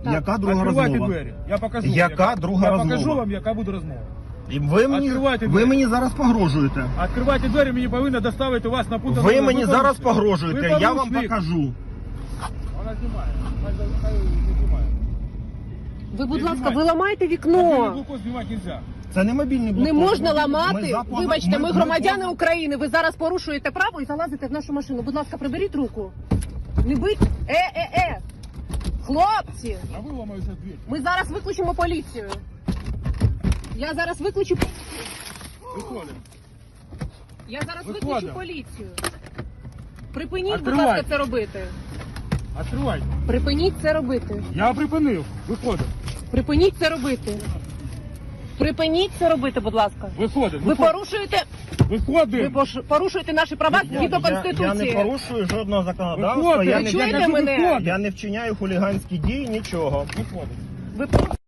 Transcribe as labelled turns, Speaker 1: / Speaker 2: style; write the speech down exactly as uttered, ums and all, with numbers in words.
Speaker 1: Так.
Speaker 2: Яка друга
Speaker 3: Відкривайте
Speaker 2: розмова?
Speaker 3: двері. Я покажу.
Speaker 2: Яка
Speaker 3: вам,
Speaker 2: друга
Speaker 3: я
Speaker 2: розмова?
Speaker 3: покажу вам, яка буде розмова.
Speaker 2: І ви мені,
Speaker 3: Відкривайте
Speaker 2: ви
Speaker 3: двері.
Speaker 2: мені зараз погрожуєте.
Speaker 3: Відкривайте двері, мені повинно доставити вас на пункт.
Speaker 2: Ви мені
Speaker 3: Ви
Speaker 2: зараз
Speaker 3: порушник.
Speaker 2: погрожуєте,
Speaker 3: Ви
Speaker 2: я вам
Speaker 3: порушник.
Speaker 2: покажу.
Speaker 3: Вона знімає. Хай за- хай не знімає.
Speaker 1: Ви, будь
Speaker 3: Не
Speaker 1: ласка,
Speaker 3: знімайте.
Speaker 1: ви ламаєте
Speaker 3: Мобільний
Speaker 1: вікно.
Speaker 3: блокпост знімати нельзя.
Speaker 2: Це не мобільний
Speaker 1: Не
Speaker 2: блокпост.
Speaker 1: можна
Speaker 2: Ми
Speaker 1: ламати.
Speaker 2: за поза-
Speaker 1: Вибачте, ми
Speaker 2: ми
Speaker 1: громадяни
Speaker 2: поза-
Speaker 1: України. Ви зараз порушуєте право і залазите в нашу машину. Будь ласка, приберіть руку. Не бить. Е-е-е. Хлопці,
Speaker 3: А ви ламаєте двері.
Speaker 1: ми зараз викличемо поліцію. Я зараз викличу.
Speaker 3: Виходимо.
Speaker 1: Я зараз
Speaker 3: Виходимо.
Speaker 1: викличу поліцію. Припиніть, будь
Speaker 3: Відкривайте.
Speaker 1: ласка, це робити.
Speaker 3: Відкривайте.
Speaker 1: Припиніть це робити.
Speaker 3: Я припинив. Виходимо.
Speaker 1: Припиніть це робити. Припиніть це робити, будь ласка.
Speaker 3: Виходимо.
Speaker 1: Ви порушуєте, ви
Speaker 3: Виходимо.
Speaker 1: пош- порушуєте наші права
Speaker 2: Я,
Speaker 1: згідно
Speaker 2: я, я не
Speaker 1: Конституції.
Speaker 2: порушую жодного законодавства,
Speaker 3: Виходимо.
Speaker 2: я
Speaker 1: Ви
Speaker 2: не,
Speaker 1: чуєте
Speaker 3: Я кажу,
Speaker 1: мене?
Speaker 3: виходимо.
Speaker 2: я не вчиняю хуліганські дії, нічого.
Speaker 3: Виходимо.
Speaker 1: Ви порушуєте